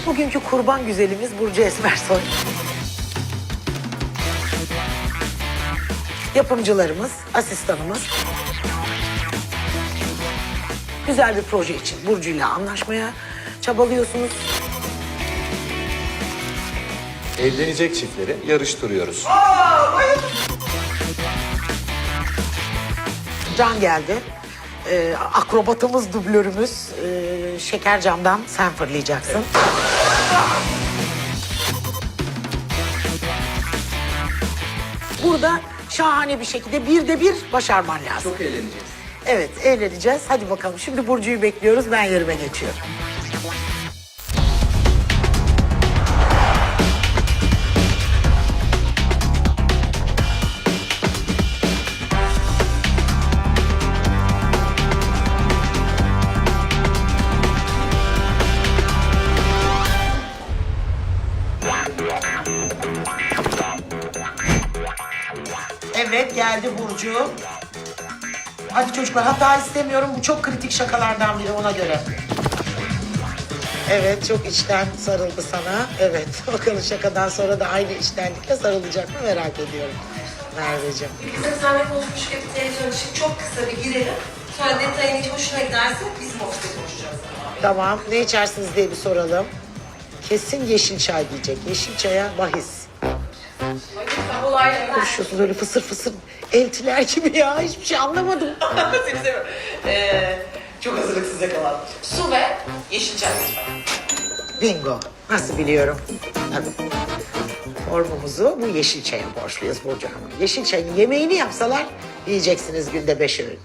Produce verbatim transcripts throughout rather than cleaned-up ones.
Bugünkü kurban güzelimiz Burcu Esmersoy. Yapımcılarımız, asistanımız. Güzel bir proje için Burcu'yla anlaşmaya çabalıyorsunuz. Evlenecek çiftleri yarıştırıyoruz. Can geldi. Ee, akrobatımız, dublörümüz. Ee, şeker camdan sen fırlayacaksın. Burada şahane bir şekilde bir de bir başarman lazım. Çok eğleneceğiz. Evet, eğleneceğiz. Hadi bakalım. Şimdi Burcu'yu bekliyoruz. Ben yerime geçiyorum. Evet, geldi Burcu. Hadi çocuklar, hata istemiyorum. Bu çok kritik şakalardan biri, ona göre. Evet, çok içten sarıldı sana. Evet, bakalım şakadan sonra da aynı içtenlikle sarılacak mı merak ediyorum. Merveciğim. Bizim seninle konuşmuşken bir televizyon için çok kısa bir girelim. Sonra detayını hiç hoşuna giderse bizim ofiste konuşacağız. Tamam, ne içersiniz diye bir soralım. Kesin yeşil çay diyecek. Yeşil çaya bahis. Olaylar. Konuşuyorsunuz öyle fısır fısır eltiler gibi ya. Hiçbir şey anlamadım. Seni seviyorum. Ee, çok hazırlıksız yakalandım. Su ve yeşil çay lütfen. Bingo. Nasıl biliyorum? Tabii. Formumuzu bu yeşil çaya borçluyuz Burcu Hanım. Yeşil çayın yemeğini yapsalar yiyeceksiniz günde beş öğün.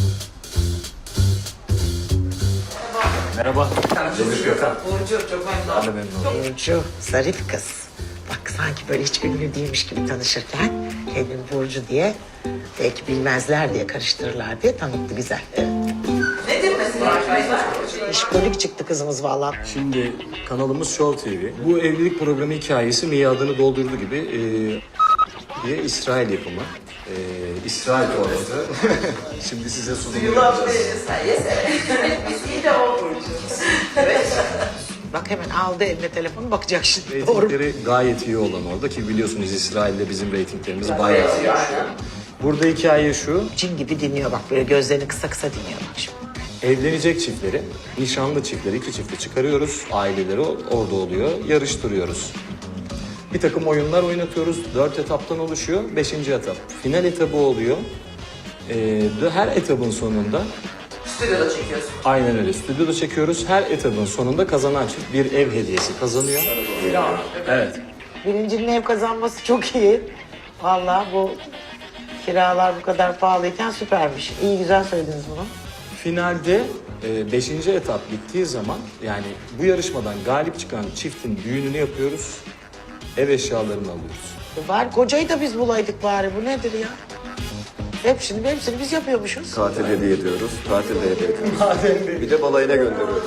Merhaba. Burcu çok memnun oldum. Burcu, zarif kız. Bak sanki böyle hiç ünlü değilmiş gibi tanışırken kendini Burcu diye belki bilmezler diye karıştırırlar diye tanıttı güzel. Evet. Nedir mesela arkadaşlar? İşkolik çıktı kızımız vallahi. Şimdi kanalımız Show T V. Bu evlilik programı hikayesi miadını doldurdu gibi e, diye İsrail yapımı. E, İsrail orası. Şimdi size sunum yapacağız. Yes, evet. Biz iyi de o Burcu. Evet. Bak hemen aldı eline telefonu bakacak şimdi. Doğru. Reytingleri gayet iyi olan orada ki biliyorsunuz İsrail'de bizim reytinglerimiz bayağı iyi. Burada hikaye şu. Cin gibi dinliyor bak böyle gözlerini kısa kısa dinliyor bak şimdi. Evlenecek çiftleri, nişanlı çiftleri, iki çifti çıkarıyoruz. Aileleri orada oluyor, yarıştırıyoruz. Bir takım oyunlar oynatıyoruz. Dört etaptan oluşuyor. Beşinci etap final etabı oluyor. Ee, her etabın sonunda, Stüdyoda çekiyorsun. aynen öyle, stüdyoda çekiyoruz. Her etabın sonunda kazanan çift bir ev hediyesi kazanıyor. Evet. Birincinin ev kazanması çok iyi. Vallahi bu kiralar bu kadar pahalıyken süpermiş. İyi güzel söylediniz bunu. Finalde e, beşinci etap bittiği zaman yani bu yarışmadan galip çıkan çiftin düğününü yapıyoruz. Ev eşyalarını alıyoruz. E Bari kocayı da biz bulaydık bari. Bu nedir ya? Hepsini, hepsini biz yapıyormuşuz. Tatil hediye ediyoruz. Tatil de hediye ediyoruz. Bir de balayına gönderiyoruz.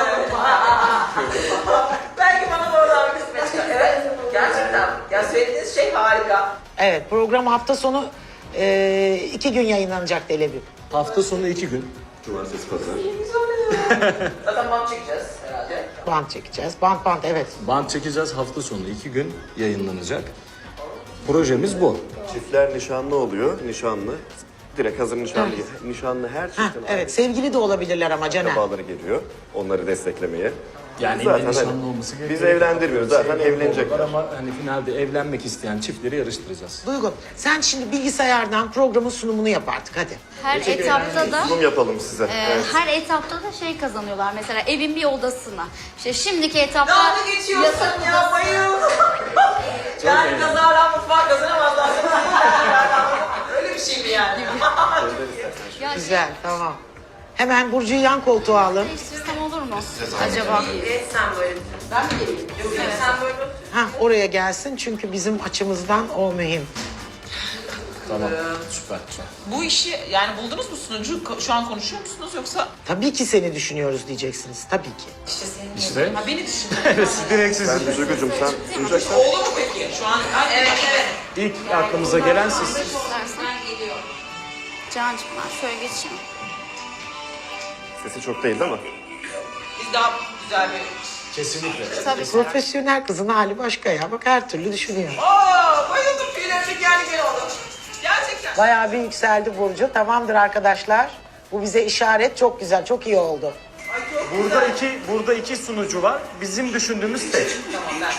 Belki bana da oradan bir kısmet çıkar. Evet, gerçekten. Ya söylediğiniz şey harika. Evet, program hafta sonu e, iki gün yayınlanacak Delebim. Hafta sonu iki gün. Cumartesi, pazar. Zaten bant çekeceğiz herhalde. Bant çekeceğiz. Bant bant evet. Band çekeceğiz, hafta sonu iki gün yayınlanacak. Projemiz bu. Çiftler nişanlı oluyor. Nişanlı. Direkt hazır nişanlı. Nişanlı her Heh, çiftin evet, sevgili de olabilirler ama Caner. akrabaları geliyor. Onları desteklemeye. Yani Zaten illa hani nişanlı olması biz gerekiyor. evlendirmiyoruz. Zaten Sevgili evlenecekler. olur Ama hani finalde evlenmek isteyen çiftleri yarıştıracağız. Duygu, sen şimdi bilgisayardan programın sunumunu yap artık hadi. Her etapta da Sunum yapalım size. e, Evet. her etapta da şey kazanıyorlar. Mesela evin bir odasına. İşte şimdiki etapta Dalga geçiyorsun ya, bayıldım. Yani kazara mutfağa kazanamazlar. Öyle bir şey mi yani? ya Güzel, tamam. Hemen Burcu'yu yan koltuğa alın. değiştirsem olur mu acaba? Evet, sen böyle. Ben mi geleyim? Yok, yok, sen böyle. Ha, oraya gelsin çünkü bizim açımızdan o mühim. Tamam, süper. süper. Bu işi yani buldunuz mu sunucu? Ko- Şu an konuşuyor musunuz yoksa? Tabii ki seni düşünüyoruz diyeceksiniz, tabii ki. İşte senin İşte Ha beni düşün. direkt siz. Sen Duygucuğum sen sunacaksan. Oldu mu peki? Şu an evet evet. İlk aklımıza gelen siz. İstersen. Cancığım ben şöyle geçeyim. Sesi çok değil değil mi? Biz daha güzel bir Kesinlikle. Tabii. Profesyonel kızın hali başka ya. Bak her türlü düşünüyor. Aa, bayıldım tüylerim yani gel oldu. Gerçekten. Bayağı bir yükseldi Burcu. Tamamdır arkadaşlar. Bu bize işaret. Çok güzel, çok iyi oldu. Ay çok Burada güzel. iki burada iki sunucu var. Bizim düşündüğümüz tek. Tamam ben.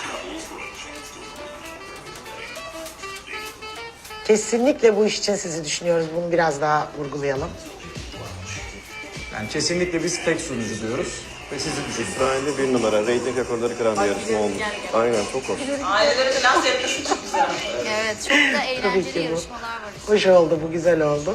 Kesinlikle bu iş için sizi düşünüyoruz. Bunu biraz daha vurgulayalım. Yani kesinlikle biz tek sunucu diyoruz ve sizi düşünüyoruz. İsrail'de bir numara. Reyting rekorları kıran bir yarışma olmuş. Aynen çok hoş. Ailelere falan sevgisi çok güzel. Evet, çok da Tabii eğlenceli ki bu. yarışmalar var işte. Hoş oldu, bu güzel oldu.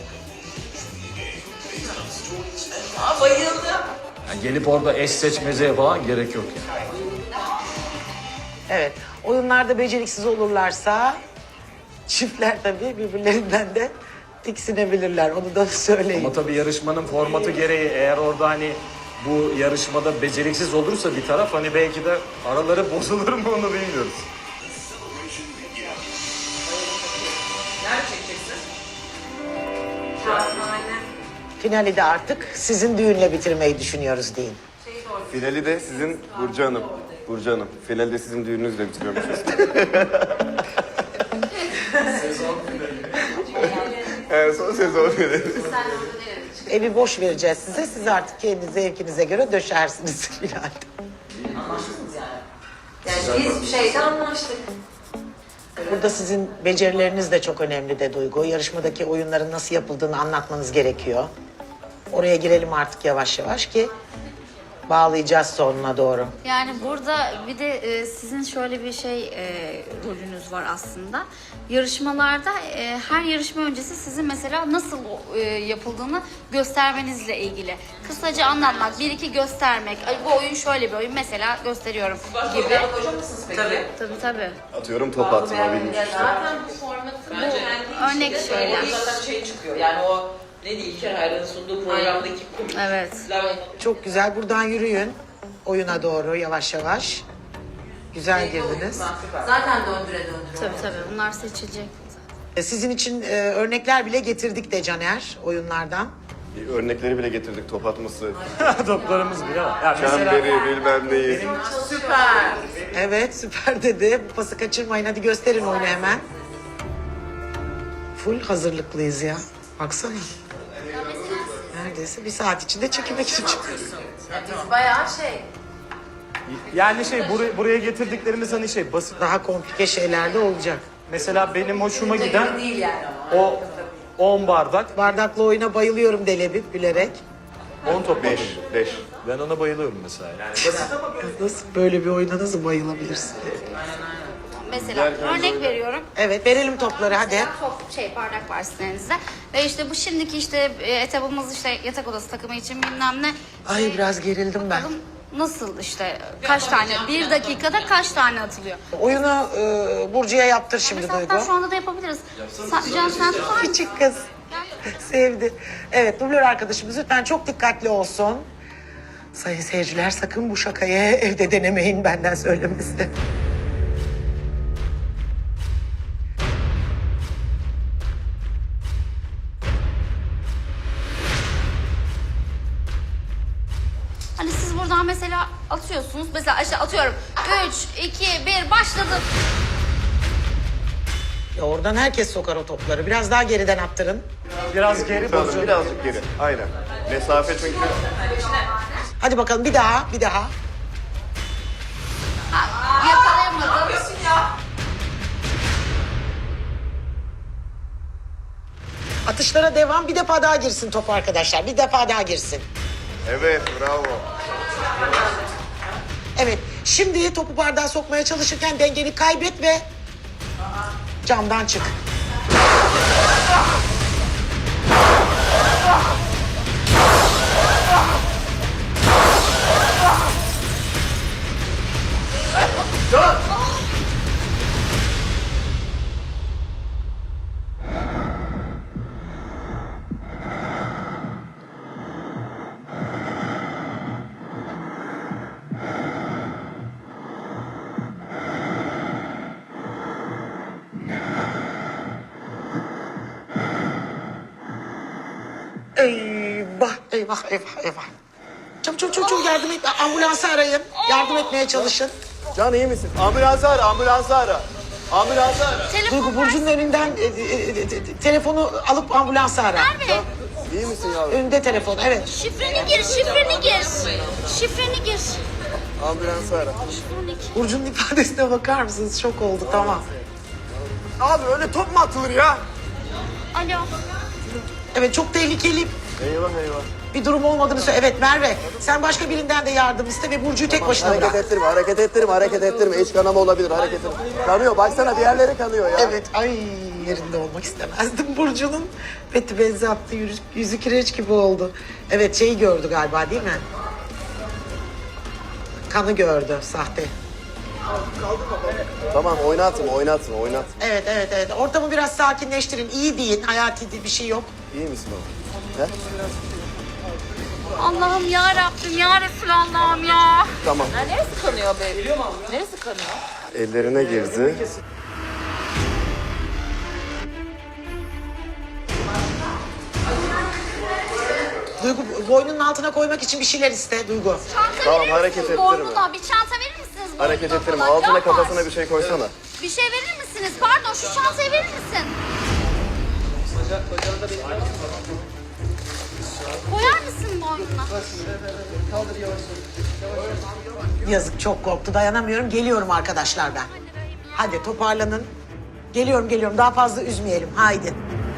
Aa, bayıldım. Yani gelip orada eş seçmezeye falan gerek yok yani. Evet, oyunlarda beceriksiz olurlarsa çiftler tabii birbirlerinden de tiksinebilirler. Onu da söyleyeyim. Ama tabii yarışmanın formatı gereği eğer orada hani bu yarışmada beceriksiz olursa bir taraf hani belki de araları bozulur mu onu bilmiyoruz. Nerede çekeceksin? Finali de artık sizin düğünle bitirmeyi düşünüyoruz deyin. Finali de sizin Burcu Hanım. Burcu Hanım. Finali de sizin düğününüzle bitiriyormuşuz. Evet, son sezon finali. Evi boş vereceğiz size. Siz artık kendi zevkinize göre döşersiniz finalde. Anlaştınız yani. Yani biz bir şeyde anlaştık. Burada sizin becerileriniz de çok önemli de Duygu. Yarışmadaki oyunların nasıl yapıldığını anlatmanız gerekiyor. Oraya girelim artık yavaş yavaş ki bağlayacağız sonuna doğru. Yani burada bir de e, sizin şöyle bir şey e, rolünüz var aslında. Yarışmalarda e, her yarışma öncesi sizin mesela nasıl e, yapıldığını göstermenizle ilgili. Kısaca anlatmak, bir iki göstermek. Ay, bu oyun şöyle bir oyun mesela gösteriyorum Başka gibi. oyunlara koyacak mısınız peki? Tabii. Tabii tabii. Atıyorum top atma bilmiş işte. Zaten bu formatı Bence Örnek işte şeyler. orada zaten şey çıkıyor. Yani o ne diyeyim İlker Hayran'ın sunduğu programdaki Evet. komikler. Çok güzel. Buradan yürüyün oyuna doğru yavaş yavaş. Güzel girdiniz. zaten döndüre döndüre. Tabii tabii. Bunlar seçilecek. Sizin için e, örnekler bile getirdik de Caner oyunlardan. Bir örnekleri bile getirdik top atması. Toplarımız bile var. Ya mesela Çemberi bilmem neyi. Süper. Evet süper dedi. Bu pası kaçırmayın. Hadi gösterin oyunu hemen. Full hazırlıklıyız ya. Baksana. Neredeyse bir saat içinde çekilmek için çıkıyoruz. Biz bayağı şey. yani şey buraya, buraya getirdiklerimiz hani şey basit. Daha komplike şeyler de olacak. Mesela benim hoşuma giden Değil yani ama. o on bardak, Bardaklı oyuna bayılıyorum Delebip bilerek. on top Beş. Beş. Ben ona bayılıyorum mesela. Nasıl böyle bir oyuna nasıl bayılabilirsin? Mesela örnek veriyorum. Evet verelim topları hadi. Top şey bardak var sizin elinizde. Ve işte bu şimdiki işte e, etabımız işte yatak odası takımı için bilmem ne. Ay biraz gerildim ben. Bakalım nasıl işte kaç tane bir dakikada kaç tane atılıyor. Oyunu e, Burcu'ya yaptır şimdi Mesela Duygu. hatta şu anda da yapabiliriz. Sen, Can sen tutar mısın? Küçük kız. Sevdi. Evet dublör arkadaşımız lütfen çok dikkatli olsun. Sayın seyirciler sakın bu şakayı evde denemeyin benden söylemesi. Hani siz buradan mesela atıyorsunuz. Mesela işte atıyorum. üç, iki, bir başladı. Ya oradan herkes sokar o topları. Biraz daha geriden attırın. biraz geri Tamam, bozuyor. birazcık geri. Aynen. Mesafe çünkü. Hadi bakalım bir daha, bir daha. Ha, yakalayamadım. Yapıyorsun ya. Atışlara devam. Bir defa daha girsin top arkadaşlar. Bir defa daha girsin. Evet, bravo. Evet. Şimdi topu bardağa sokmaya çalışırken dengeni kaybet ve camdan çık. Eyvah, eyvah, eyvah, eyvah. Çabuk çabuk çabuk çabuk yardım et. Ambulansı arayın. Yardım etmeye çalışın. Can iyi misin? Ambulansı ara, ambulansı ara. Ambulansı ara. Duygu Burcu'nun önünden e, e, e, e, telefonu alıp ambulansı ara. Merve, İyi misin yavrum? Önünde telefon, evet. şifreni gir, şifreni gir. Şifreni gir. Ambulansı ara. Şifreni gir. Burcu'nun ifadesine bakar mısınız? Şok oldu, tamam. Abi öyle top mu atılır ya? Alo. Evet, çok tehlikeli Eyvah eyvah. bir durum olmadığını söyle. Evet Merve, sen başka birinden de yardım iste ve Burcu'yu tek başına Hareket bırak. ettirme, hareket ettirme, hareket ettirme. İç kanama olabilir, hareket ettirme. Kanıyor, baksana bir yerleri kanıyor ya. Evet, ay yerinde olmak istemezdim Burcu'nun. Beti benzi attı, yüzü, yüzü kireç gibi oldu. Evet, şeyi gördü galiba değil mi? Kanı gördü, sahte. Tamam, oynatma, oynatma, oynatma. Evet, evet, evet. Ortamı biraz sakinleştirin. İyi deyin, hayati bir şey yok. İyi misin oğlum? He? Allah'ım ya Rabbim ya Resulallah'ım ya. Tamam. Ha, neresi kanıyor be? Neresi kanıyor? Ellerine girdi. Duygu, boynunun altına koymak için bir şeyler iste Duygu. Çanta Tamam, verir hareket misiniz ettirme. boynuna? Bir çanta verir misiniz boynuna? Hareket ettirme. falan? Altına Can kafasına var. bir şey koysana. Bir şey verir misiniz? Pardon, şu çantayı verir misin? Koyar mısın boynuna? Yazık, çok korktu, dayanamıyorum. Geliyorum arkadaşlar ben. Hadi toparlanın. Geliyorum, geliyorum. Daha fazla üzmeyelim. Haydi.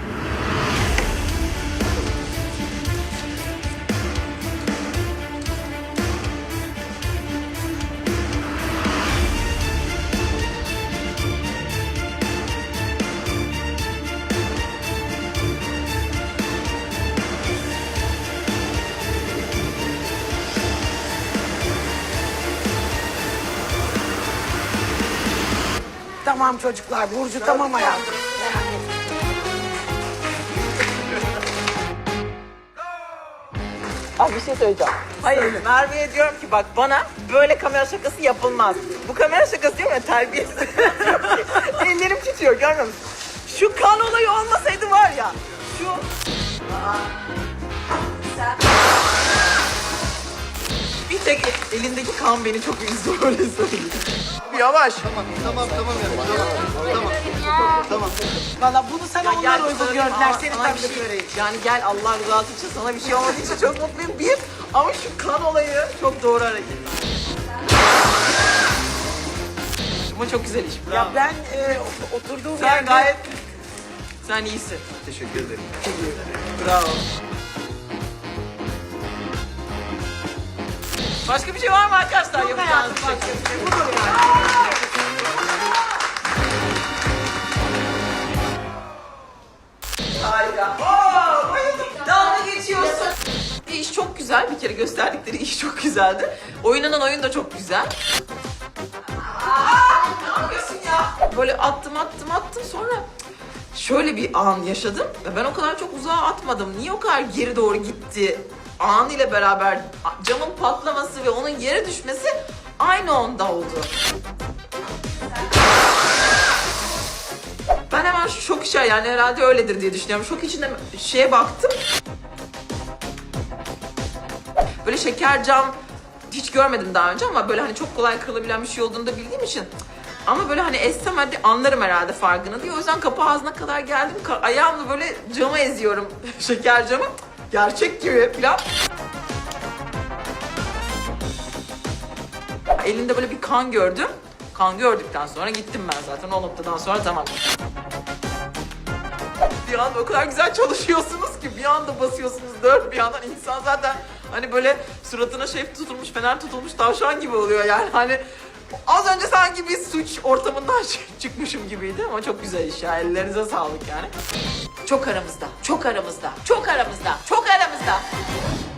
Tamam çocuklar, Burcu tamam hayatım. Ah bir şey söyleyeceğim. Hayır Merve'ye diyorum ki bak bana böyle kamera şakası yapılmaz. Bu kamera şakası diyorum ya terbiyesiz. Ellerim titriyor görmüyor musun? Şu kan olayı olmasaydı var ya. Şu... Bir tek elindeki kan beni çok üzdü öyle söyleyeyim. Yavaş. Valla bunu sana onlar gel uygun sana bir- gördüler. Aa, Seni sana tabii bir ki şey- göreyim. Yani gel Allah rızası için sana bir şey olmadığı için çok mutluyum. Bir ama şu kan olayı çok doğru hareket. Ama çok güzel iş. Bravo. Ya ben e, oturduğum Sen yerde... gayet... Sen iyisin. Teşekkür ederim. Bravo. Başka bir şey var mı arkadaşlar? Yok Yapacağınız hayatım, bir şey. başka bir şey. Budur yani. Harika. Oo, bayıldım. Dalga geçiyorsun. İş çok güzel. Bir kere gösterdikleri iş çok güzeldi. Oynanan oyun da çok güzel. Aa, ne yapıyorsun ya? Böyle attım attım attım sonra şöyle bir an yaşadım. Ve ben o kadar çok uzağa atmadım. Niye o kadar geri doğru gitti? An ile beraber camın patlaması ve onun yere düşmesi aynı anda oldu. Ben hemen şok işe yani herhalde öyledir diye düşünüyorum. Şok içinde şeye baktım. Böyle şeker cam hiç görmedim daha önce ama böyle hani çok kolay kırılabilen bir şey olduğunu da bildiğim için. Ama böyle hani essem hadi anlarım herhalde farkını diye. O yüzden kapı ağzına kadar geldim. Ka- ayağımla böyle cama eziyorum şeker camı. Gerçek gibi falan. Elinde böyle bir kan gördüm. Kan gördükten sonra gittim ben zaten o noktadan sonra tamam. Bir anda o kadar güzel çalışıyorsunuz ki bir anda basıyorsunuz dört bir yandan insan zaten hani böyle suratına şey tutulmuş fener tutulmuş tavşan gibi oluyor yani hani az önce sanki bir suç ortamından çıkmışım gibiydi ama çok güzel iş ya ellerinize sağlık yani. Çok aramızda, çok aramızda, çok aramızda, çok aramızda.